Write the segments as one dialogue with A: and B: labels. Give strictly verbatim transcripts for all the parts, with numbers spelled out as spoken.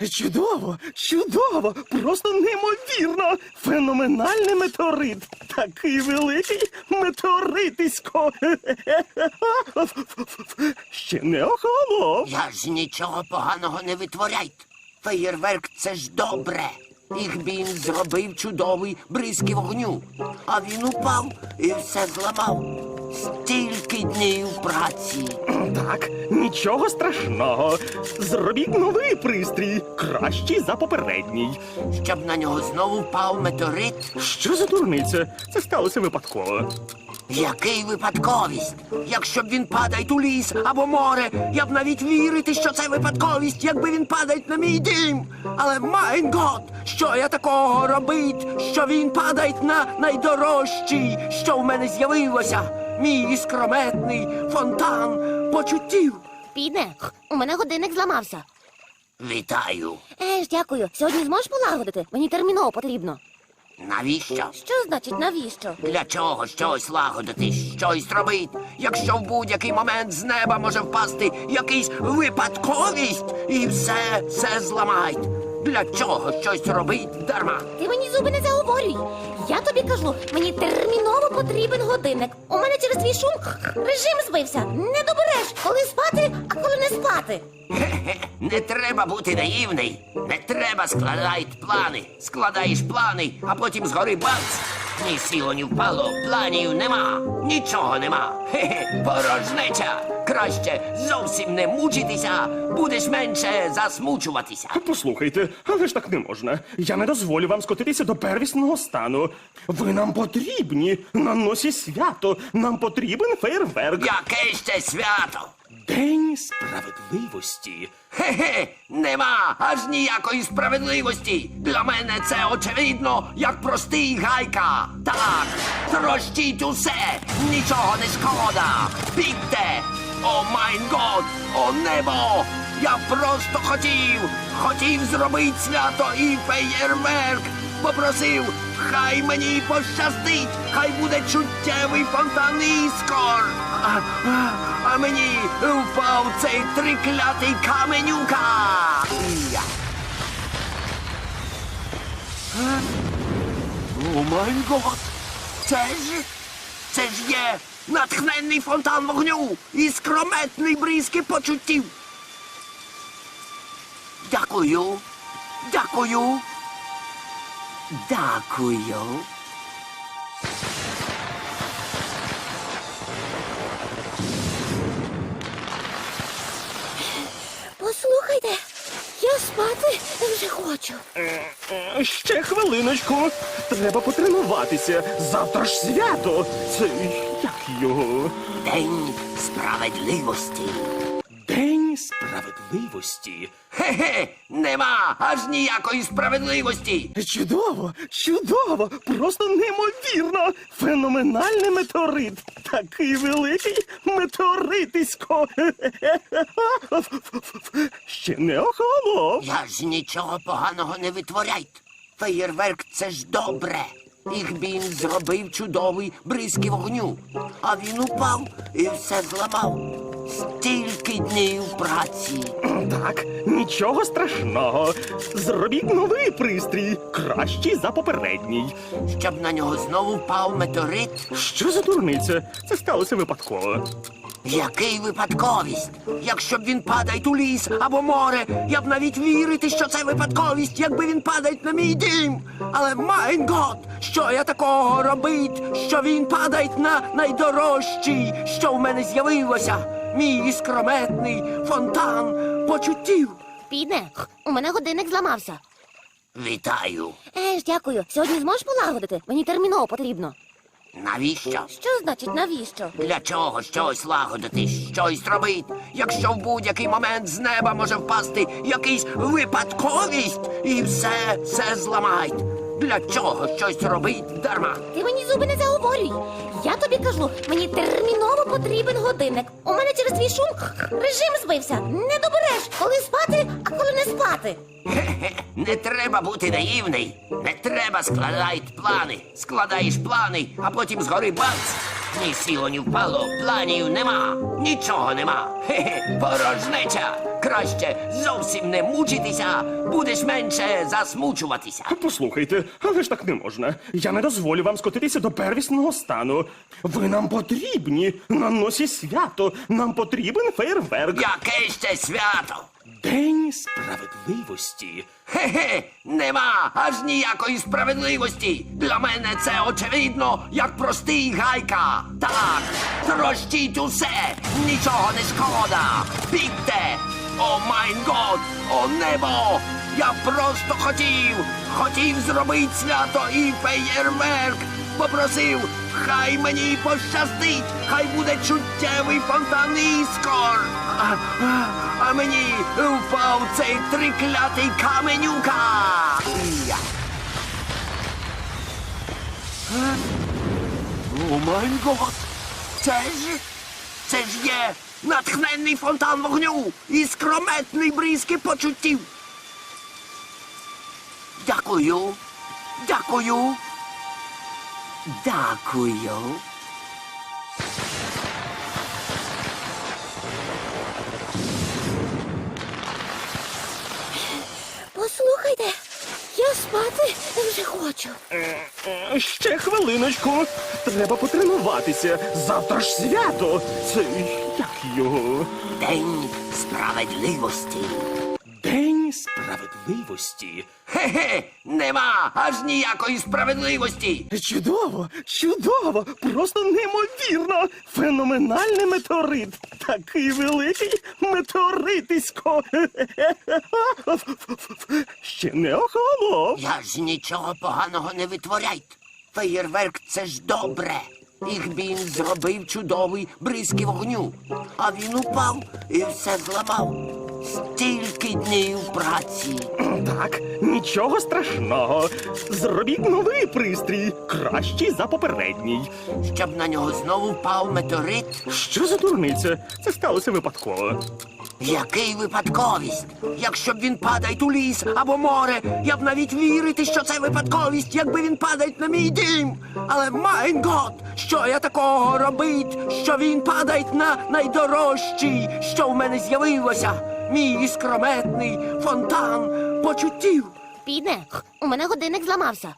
A: Чудово, чудово, просто неймовірно. Феноменальний метеорит. Такий великий метеоритисько. Ще не охолонув.
B: Я ж нічого поганого не витворяйте. Феєрверк – це ж добре. Їх він зробив чудовий бризки вогню. А він упав і все зламав. Стільки днів праці.
A: Так, нічого страшного. Зробіть новий пристрій, кращий за попередній.
B: Щоб на нього знову впав метеорит.
A: Що за дурниця? Це сталося випадково.
B: Який випадковість? Якщо б він падає у ліс або море, я б навіть вірити, що це випадковість, якби він падає на мій дім. Але, майн гот, що я такого робить, що він падає на найдорожчий, що в мене з'явилося? Мій іскрометний фонтан почуттів.
C: Піде, у мене годинник зламався.
B: Вітаю.
C: Еж, дякую. Сьогодні зможеш полагодити? Мені терміново потрібно.
B: Навіщо?
C: Що значить навіщо?
B: Для чого щось лагодити, щось робить, якщо в будь-який момент з неба може впасти якийсь випадковість і все, все зламають. Для чого щось робить дарма?
C: Ти мені зуби не заговорюй. Я тобі кажу, мені терміново потрібен годинник. У мене через твій шум режим збився. Не добереш, коли спати, а коли не спати.
B: Хе-хе, не треба бути наївний. Не треба складати плани. Складаєш плани, а потім згори бац. Ні сіло, ні впало, планів нема, нічого нема. Хе-хе, порожнеча. Краще зовсім не мучитися, будеш менше засмучуватися.
A: Послухайте, але ж так не можна. Я не дозволю вам скотитися до первісного стану. Ви нам потрібні. На носі свято. Нам потрібен фейерверк.
B: Яке ще свято?
A: День справедливості.
B: Хе-хе, нема аж ніякої справедливості. Для мене це очевидно, як простий гайка. Так, трощіть усе, нічого не шкода. Бігте! О майн год, о небо! Я просто хотів, хотів зробити свято і феєрверк. Попросив, хай мені пощастить, хай буде чуттєвий фонтан іскор. А, а, а мені впав цей триклятий каменюка. Я. Е? О май гот! Це ж, це ж є натхненний фонтан вогню і скрометний бризки почуттів. Дякую, дякую. Дякую.
C: Послухайте, я спати вже хочу.
A: Е, Ще хвилиночку. Треба потренуватися. Завтра ж свято. Це як його?
B: День справедливості.
A: День справедливості.
B: Хе-хе, нема аж ніякої справедливості.
A: Чудово, чудово, просто неймовірно. Феноменальний метеорит. Такий великий метеоритисько. Ще не охолонув.
B: Я ж нічого поганого не витворяйте. Феєрверк – це ж добре. Їх він зробив чудовий бризки вогню. А він упав і все зламав. Стільки днів праці.
A: Так, нічого страшного. Зробіть новий пристрій, кращий за попередній.
B: Щоб на нього знову впав метеорит.
A: Що за дурниця? Це сталося випадково.
B: Який випадковість? Якщо б він падає у ліс або море, я б навіть вірити, що це випадковість, якби він падає на мій дім. Але, майн гот, що я такого робить, що він падає на найдорожчий, що в мене з'явилося? Мій іскрометний фонтан почуттів.
C: Піде, у мене годинник зламався.
B: Вітаю.
C: Еж, дякую. Сьогодні зможеш полагодити? Мені терміново потрібно.
B: Навіщо?
C: Що значить навіщо?
B: Для чого щось лагодити, щось робить, якщо в будь-який момент з неба може впасти якийсь випадковість і все, все зламають. Для чого щось робить дарма?
C: Ти мені зуби не заговорюй. Я тобі кажу, мені терміново потрібен годинник. У мене через твій шум режим збився. Не добереш, коли спати, а коли не спати.
B: Хе-хе, не треба бути наївний. Не треба складати плани. Складаєш плани, а потім згори бац. Ні сіло, ні впало, планів нема, нічого нема. Хе-хе, порожнеча. Краще зовсім не мучитися, будеш менше засмучуватися.
A: Послухайте, але ж так не можна. Я не дозволю вам скотитися до первісного стану. Ви нам потрібні на носі свято. Нам потрібен фейерверк.
B: Яке ще свято?
A: День справедливості.
B: Хе-хе, нема аж ніякої справедливості. Для мене це очевидно, як простий гайка. Так, трощіть усе, нічого не шкода. Бігте! О майн год, о небо! Я просто хотів, хотів зробити свято і феєрверк. Попросив, хай мені пощастить, хай буде чуттєвий фонтан іскор. А, а, а мені впав цей триклятий каменюка. Я. Е? О май гот! Це ж, це ж є натхненний фонтан вогню і скрометний бризки почуттів. Дякую, дякую, дякую.
C: Послухайте, я спати вже хочу.
A: Е, Ще хвилиночку. Треба потренуватися. Завтра ж свято. Це як його?
B: День справедливості.
A: День справедливості.
B: Хе-хе, нема аж ніякої справедливості.
A: Чудово, чудово, просто неймовірно. Феноменальний метеорит. Такий великий метеоритисько. Ще не охолонув.
B: Я ж нічого поганого не витворяйте. Феєрверк — це ж добре. Їх він зробив чудовий бризки вогню. А він упав і все зламав. Стільки днів праці.
A: Так, нічого страшного. Зробіть новий пристрій, кращий за попередній.
B: Щоб на нього знову впав метеорит.
A: Що за дурниця? Це сталося випадково.
B: Який випадковість? Якщо б він падає у ліс або море, я б навіть вірити, що це випадковість, якби він падає на мій дім. Але майн гот, що я такого робить, що він падає на найдорожчий, що в мене з'явилося. Мій іскрометний фонтан почуттів.
C: Піде, у мене годинник зламався.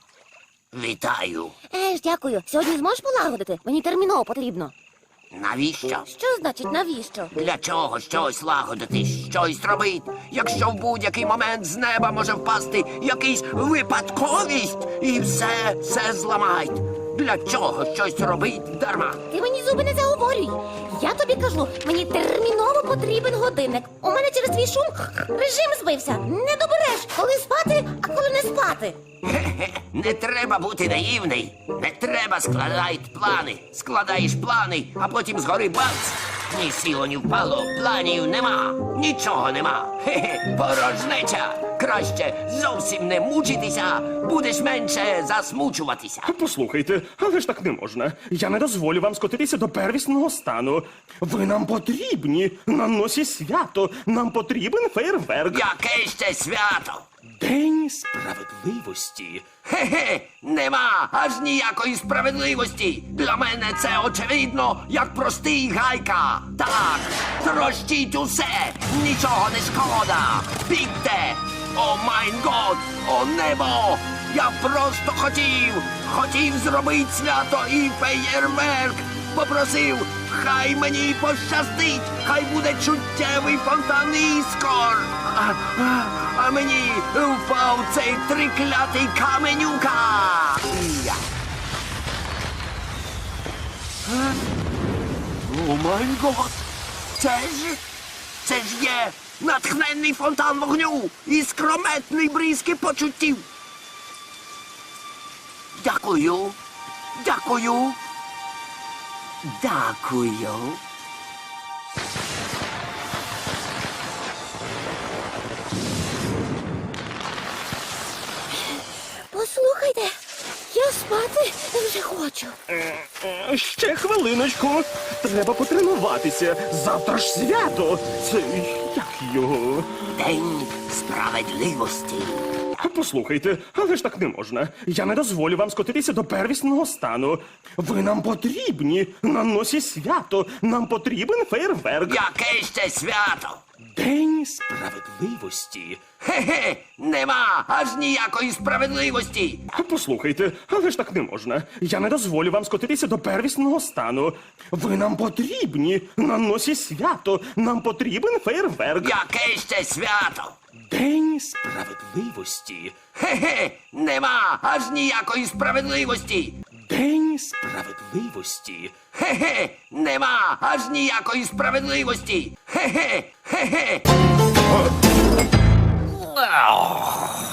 B: Вітаю.
C: Еж, дякую. Сьогодні зможеш полагодити? Мені терміново потрібно.
B: Навіщо?
C: Що значить навіщо?
B: Для чого щось лагодити, щось робити, якщо в будь-який момент з неба може впасти якийсь випадковість і все, все зламають. Для чого щось робить дарма?
C: Ти мені зуби не заговорюй. Я тобі кажу, мені терміново потрібен годинник. У мене через твій шум режим збився. Не добереш, коли спати, а коли не спати.
B: Хе-хе, не треба бути наївний. Не треба складати плани. Складаєш плани, а потім згори бац. Ні сіло, ні впало, планів нема. Нічого нема. Хе-хе, порожнеча. Краще зовсім не мучитися, будеш менше засмучуватися.
A: Послухайте, але ж так не можна. Я не дозволю вам скотитися до первісного стану. Ви нам потрібні на носі свято. Нам потрібен фейерверк.
B: Яке ще свято?
A: День справедливості.
B: Хе-хе, нема аж ніякої справедливості. Для мене це очевидно, як простий гайка. Так, трощіть усе, нічого не шкода. Бігте! О майн год, о небо! Я просто хотів, хотів зробити свято і феєрверк. Попросив, хай мені пощастить, хай буде чуттєвий фонтан іскор. А, а, а мені впав цей триклятий каменюка. Я. Е? О май гот! Це ж, це ж є натхненний фонтан вогню і скрометний бризки почуттів. Дякую, дякую, дякую.
C: Послухайте, я спати вже хочу.
A: Е, Ще хвилиночку. Треба потренуватися. Завтра ж свято. Це як його?
B: День справедливості.
A: Послухайте, але ж так не можна. Я не дозволю вам скотитися до первісного стану. Ви нам потрібні на носі свято. Нам потрібен фейерверк.
B: Яке ще свято?
A: День справедливості.
B: Хе-хе, нема аж ніякої справедливості.
A: Послухайте, але ж так не можна. Я не дозволю вам скотитися до первісного стану. Ви нам потрібні на носі свято. Нам потрібен фейерверк.
B: Яке ще свято?
A: День справедливості.
B: Хе-хе, нема аж ніякої справедливості.
A: День справедливості.
B: Хе-хе, нема аж ніякої справедливості. Хе-хе, хе-хе.